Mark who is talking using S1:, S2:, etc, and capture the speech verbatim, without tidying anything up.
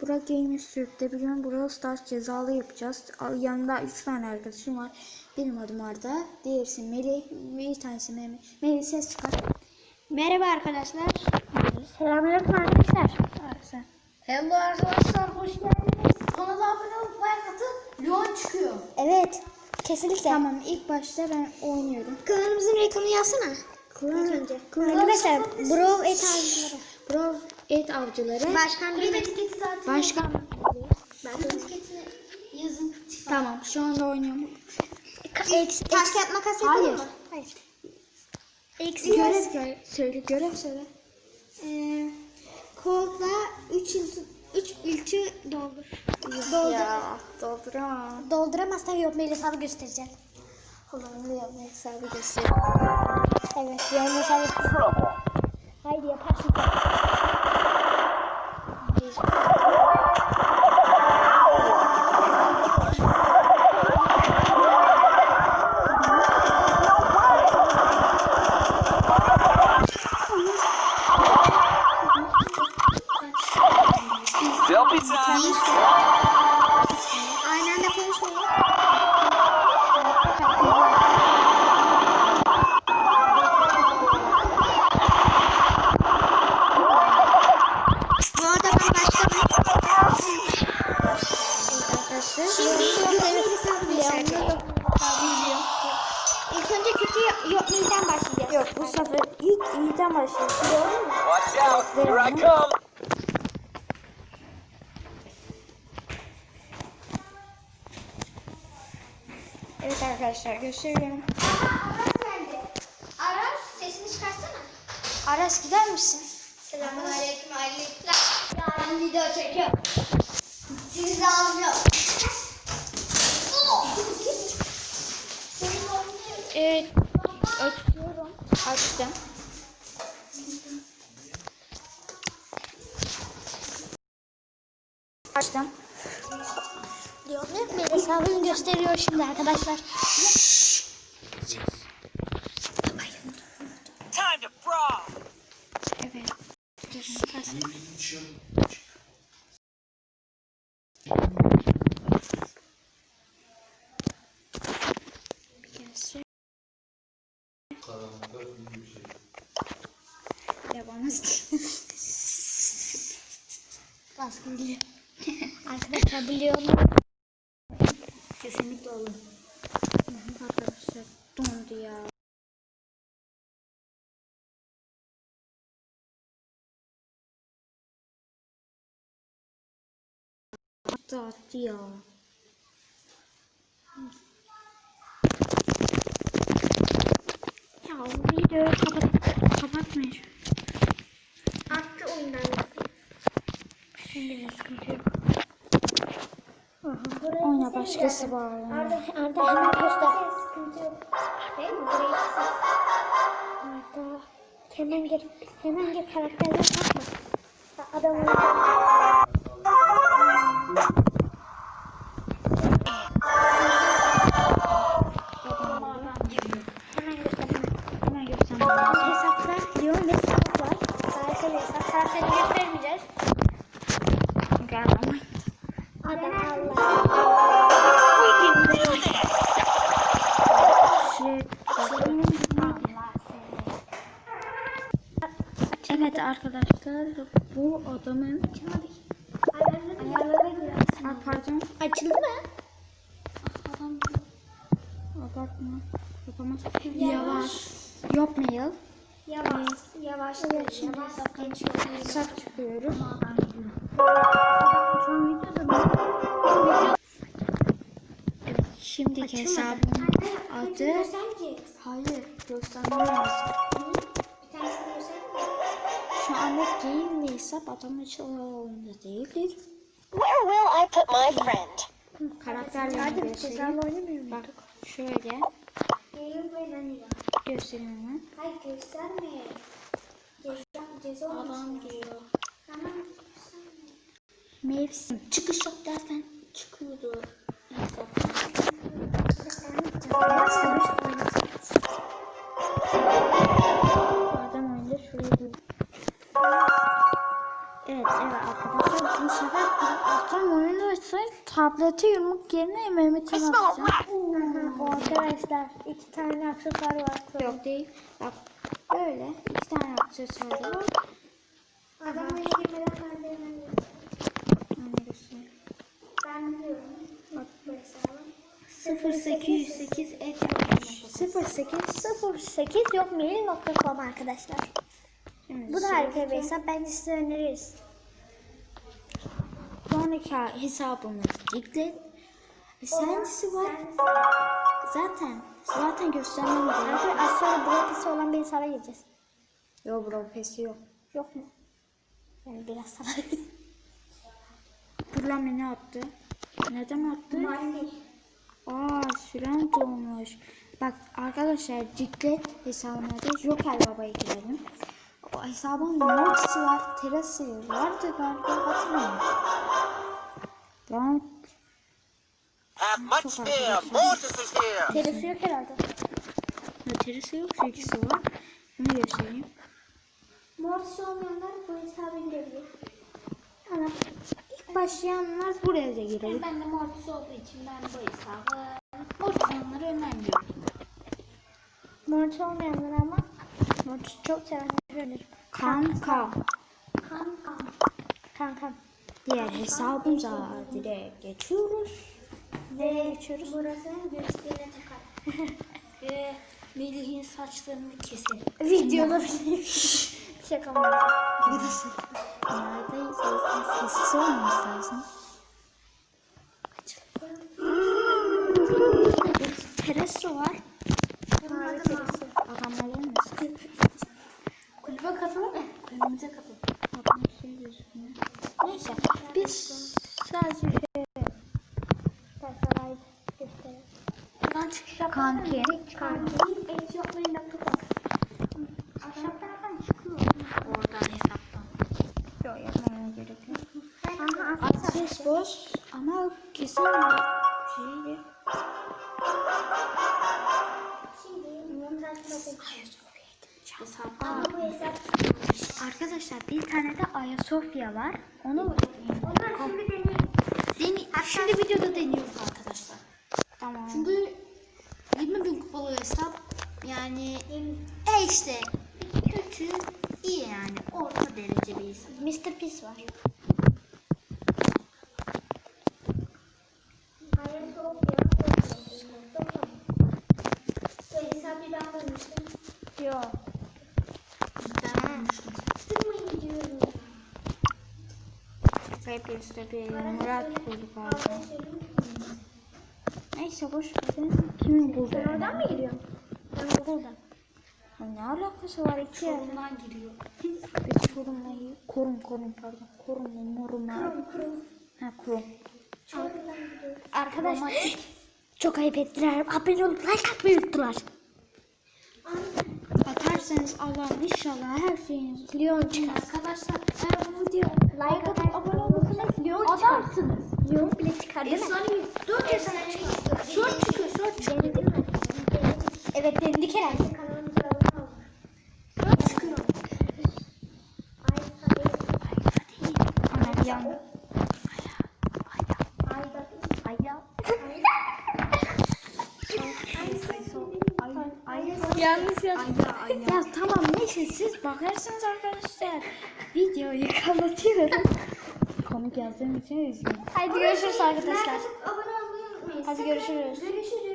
S1: Burak Games Türk'te bugün Brawl Stars cezalı yapacağız. Yanında üç tane arkadaşım var. Benim adım Arda, diğerisi Melih, bir tanesi Mehmet. Melih ses çıkar.
S2: Merhaba arkadaşlar. Selamünaleyküm arkadaşlar.
S1: Sen.
S2: Hello arkadaşlar, hoş geldiniz. Kanala abone olup like atın. Leon çıkıyor.
S1: Evet, kesinlikle. Tamam, ilk başta ben oynuyorum.
S2: Kanalımızın reklamını yazsana.
S1: Klan,
S2: önce.
S1: arkadaşlar, Brawl et avcıları. Brawl et avcıları.
S2: Başkan bir etiketi zaten.
S1: Başkan.
S2: Ben etiketini yazın.
S1: Tamam, şu anda oynuyorum.
S2: Eksi, taş kağıt makas yapalım
S1: Hayır.
S2: mı? Hayır. Eksi
S1: Görev görev söyle, görev söyle.
S2: Ee, Cold'la üç üç ilçe doldur. Doldur.
S1: Ya, dolduramam.
S2: Dolduramazsan yorumlu hesabı göstereceğim.
S1: Allah'ım yorumlu hesabı göster.
S2: Evet, yorumlu hesabı. Haydi yaparsın. Aynı anda konuşmayalım. Bu arada ben başlamayayım.
S1: Arkadaşlar.
S2: Şimdi İlk önce kötü yok neyden başlayacağız?
S1: Yok, bu sefer ilk iyiden başlıyoruz. Doğru mu?
S3: Watch out! Here I come!
S1: Evet arkadaşlar, gösteriyorum.
S2: Aras geldi. Aras sesini çıkarsana.
S1: Aras gider misin?
S2: Selamünaleyküm aleyküm. Yarın video çekiyorum. Sizi de almıyorum.
S1: Evet. Açıyorum. Açtım. Açtım.
S2: Diyor ne? Bir hesabını gösteriyor şimdi arkadaşlar.
S3: Time to brawl!
S1: Evet. Gelsin. Ya bana
S2: Baskın diyor. Arkadaşlar biliyorum.
S1: kesinlikle olur. Arkadaşlar dondu ya. Attı attı ya. Ya videoyu kapat kapatmayın.
S2: Attı oyundan. Şimdi sıkıntı yok.
S1: Oyna başkası var.
S2: Arda, Arda hemen göster. Sıkıntı yok. Değil mi? Burayı Arda hemen gir. Hemen gir, karakterleri takma. Adamı hemen göster.
S1: Hemen göstereyim.
S2: Hesapta Leon ve Scout var. Harika bir hesap. Karakterini göstermeyeceğiz.
S1: Çünkü adam.
S2: Adam Allah.
S1: Evet arkadaşlar, bu adamın
S2: Ayarlara gir.
S1: Aa, pardon,
S2: Açıldı mı?
S1: adam abartma, yapamaz. Yavaş yapmayalım.
S2: Yavaş. Yavaş. Yavaş. Yavaş. Geçiyor.
S1: Sak çıkıyorum. Evet, şimdiki hesabın adı, hayır göstermem lazım.
S2: Bir tanesini göstereyim mi?
S1: Şu anda game ve hesap adamın oyunda değildir.
S3: Where will I put my friend?
S1: Karakterlerini göstereyim.
S2: oynamıyor
S1: Bak şöyle
S2: Eylül ve Danila.
S1: göstereyim hemen.
S2: Hayır gösterme. Ceza, ceza
S1: Adam diyor.
S2: Tamam.
S1: Mevsim. Çıkış yok dersen çıkıyordu. Neyse. Adam oyunda şuraya dur. Evet evet arkadaşlar bu sefer akşam oyunu açsaydı tablete yumruk yerine Mehmet'e bakacağım.
S2: O arkadaşlar iki tane aksesuar var.
S1: Yok değil. Bak böyle iki tane aksesuarı var.
S2: Adamın girmeden kardeşim.
S1: Neresi?
S2: Ben biliyorum.
S1: Bak
S2: Bu hesabı.
S1: sıfır sekiz yüz sekiz et yapmış. sıfır sekiz
S2: sıfır sekiz yok mail nokta com arkadaşlar.
S1: Şimdi
S2: Bu da harika bir
S1: sonraki-
S2: hesap. Bence size öneririz.
S1: Sonraki hesabımız Ciklet. Sendisi var. Zaten zaten göstermem gerek.
S2: Arkadaşlar az sonra bropisi olan bir hesaba gireceğiz.
S1: Yok bro pesi yok.
S2: Yok mu? Yani biraz sana.
S1: Burlama ne attı? Neden attı?
S2: Mali.
S1: Aa süren dolmuş. Bak arkadaşlar Ciklet hesabına da Joker Baba'ya girelim. O hesabın Mortis'i var, Terası vardı galiba hatırlamıyorum. Lan
S3: Have much fear. Mortis is here.
S2: Terisi yok herhalde.
S1: ne Terası yok, ikisi var. Bunu göstereyim.
S2: Mortis olmayanlar bu hesaba girebilir.
S1: Ama ilk başlayanlar buraya da girelim.
S2: Ben de Mortis olduğu için ben bu hesabı Mortis olanlara önermiyorum. Mortis olmayanlar ama Mortis çok sevenler öneririm.
S1: Kanka.
S2: Kanka. Kankam.
S1: Diğer hesabımıza direkt geçiyoruz.
S2: Nereye geçiyoruz? Burası göğüslerine takar. Ve Melih'in saçlarını keselim. Videoda bir şaka mı?
S1: Nerede sessiz, sessiz olmamız lazım. Terası var.
S2: Mavi terisi.
S1: Adamların mısın?
S2: Kulübe katılır mı? Kulübümüze katıl.
S1: Adamın şey gözükmüyor.
S2: Neyse. Biz sadece şey Persalay'ı gösterelim. Buradan çıkış yapalım.
S1: Kanki.
S2: Kanki. Etiyoplayın nokta com. Aşağı taraftan çıkıyor.
S1: Oradan hesaptan. Yok yapmaya gerek yok.
S2: Aha.
S1: Adres boş ama kesin şeydi.
S2: Şimdi montaj yapalım.
S1: Hesap.
S2: Ama bu hesap.
S1: Arkadaşlar bir tane de Ayasofya var. Onu
S2: Onlar şimdi deneyelim.
S1: Deni şimdi videoda deniyoruz arkadaşlar. Tamam.
S4: Çünkü yirmi bin kupalı hesap yani e işte kötü iyi yani orta derece bir hesap.
S2: mister Peace var. Bu hesabı ben bulmuştum.
S1: Yok.
S4: Ben bulmuştum.
S2: Sırmayın diyorum.
S1: Hepimiz de bir Murat bulduk abi. Neyse boş verin. Kimin buldu?
S2: Sen oradan mı giriyorsun? Ben buradan.
S1: Ya ne alakası var iki yer?
S4: Ondan giriyor.
S1: Bir korunmayı, korun korun pardon. Korunma moruma. Ha kurum.
S2: Arkadaşlar çok ayıp ettiler. Abone olup like atmayı unuttular.
S1: Atarsanız Allah'ım inşallah her şeyiniz.
S2: Leon çıkar.
S4: Arkadaşlar eğer bu video
S2: Like atıp abone olursanız Leon çıkar.
S4: adamsınız.
S2: Leon bile çıkar değil mi?
S4: Efsane dört efsane çıkıyor. Short çıkıyor short çıkıyor.
S2: Denedin mi? Evet denedik herhalde.
S4: Short çıkıyor.
S1: Anam yan.
S2: Yanlış yaz.
S1: Ya tamam neyse siz bakarsınız arkadaşlar. Videoyu kapatıyorum. Komik yazdığım için üzgünüm.
S2: Hadi görüşürüz arkadaşlar.
S4: Abone olmayı unutmayın.
S2: Hadi görüşürüz.
S4: Görüşürüz.